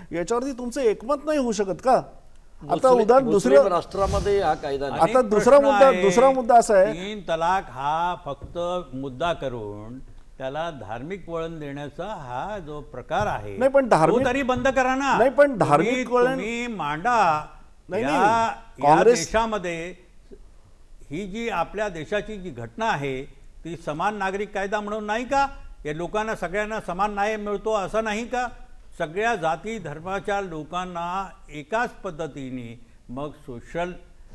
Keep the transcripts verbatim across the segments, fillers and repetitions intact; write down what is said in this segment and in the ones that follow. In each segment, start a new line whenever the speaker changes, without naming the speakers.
याच्यावरती तुमचं एकमत नाही होऊ शकत का? आता
मुस्लिम-
उदाहरण
मुस्लिम
दुसरं
राष्ट्रामध्ये हा कायदा नाही.
आता
अनेक
दुसरा
प्रश्न
मुद्दा
आहे.
दुसरा मुद्दा असा आहे
तीन तलाक हा फक्त मुद्दा करून त्याला धार्मिक वळण देण्याचा हा जो प्रकार आहे
नाही, पण धार्मिक-
तो तरी बंद करा ना.
नाही, पण धार्मिक
तुम्ही-
वळण-
तुम्ही मांडा.
नाही,
या-
नाही.
या
काँग्रेस-
देशामध्ये ही जी आपल्या देशाची जी घटना आहे ती समान नागरिक कायदा म्हणून नाही का? या लोकांना सगळ्यांना समान न्याय मिळतो असं नाही का? सगळ्या जाती धर्माच्या लोकांना एकाच पद्धतीने, मग सोशल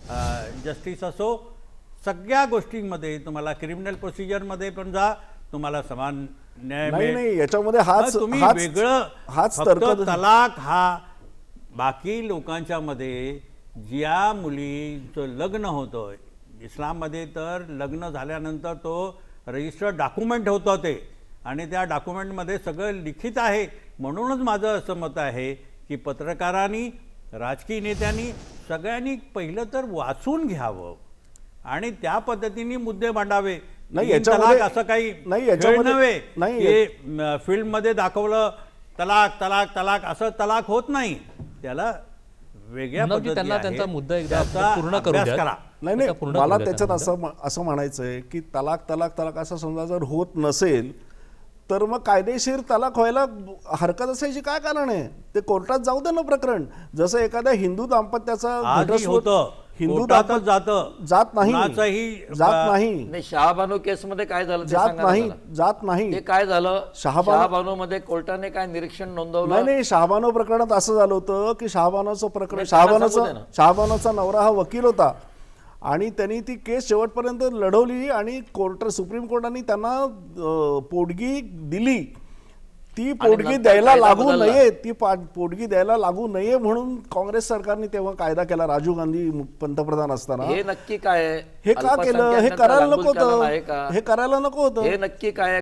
जस्टिस असो, सगळ्या गोष्टींमध्ये तुम्हाला क्रिमिनल प्रोसिजरमध्ये पण जा, तुम्हाला समान न्याय
नाही
मिळेल.
नाही याच्यामध्ये हाच
मग तुम्ही
हाच
वेगळं
हाच
फक्त
तर्क
तलाक हा बाकी लोकांच्या मध्ये ज्या मुलीचं लग्न होतं, इस्लाममध्ये तर लग्न झाल्यानंतर तो रजिस्टर्ड डॉक्युमेंट होतं ते, आणि त्या डॉक्युमेंटमध्ये सगळं लिखित आहे. म्हणूनच माझं असं मत आहे की पत्रकारांनी, राजकीय नेत्यांनी सगळ्यांनी पहिलं तर वाचून घ्यावं आणि त्या पद्धतीने मुद्दे मांडावे.
नाही,
तीन
याच्यामध्ये-
तलाक असं काही
नाही,
खेळ
याच्यामध्ये-
नव्हे
नाही,
की फिल्ममध्ये दाखवलं तलाक तलाक तलाक असं तलाक होत नाही. त्याला वेगळ्या
मनोजी,
पद्धती
त्यांना
आहेत.
त्यांचा मुद्दा एकदा
त्याचा
पूर्ण करू
अभ्यास
द्या.
करा.
नाही नाही
आता पूर्ण
मला
करूया
त्याच्यात
त्यांना.
असं म- असं म्हणायचं आहे की तलाक तलाक तलाक असं समजा जर होत नसेल तर मग कायदेशीर तलाक व्हायला हरकत असायची काय कारण आहे? ते कोर्टात जाऊ दे ना प्रकरण. जसं एखाद्या हिंदू दाम्पत्याचा
आधी
घटस्फोट
होतं
हिंदू
कोर्टातच
दाम्पत्य
जातं.
जात नाही
कुणाचंही,
जात
अ,
नाही
नाही, शहाबानू केस मध्ये काय झालं ते
जात
सांगा ना
नाही
मला.
जात नाही
ते काय झालं?
शहाबानू-
शहाबानू मध्ये कोर्टाने काय निरीक्षण नोंदवलं?
नाही नाही शहाबानो प्रकरणात असं झालं होतं की शहाबानोचं प्रकरण
नाही, त्यांना सांगू
शहाबानोचा
दे ना.
शहाबानोचा नवरा हा वकील होता आणि त्यांनी ती केस शेवटपर्यंत लढवली आणि कोर्ट सुप्रीम कोर्टाने त्यांना अं, पोटगी दिली. ती पोटगी
नंतर
द्यायला
कायदा
लागू
बदलला.
नये ती पा- पोटगी द्यायला लागू नये म्हणून काँग्रेस सरकारने तेव्हा कायदा केला, राजीव गांधी पंतप्रधान असताना.
हे नक्की काय आहे?
हे का केलं? हे
अल्पसंख्याकांचा
करायला नको
लांगुलचालन आहे
होतं
का?
हे करायला नको होतं
हे नक्की काय आहे?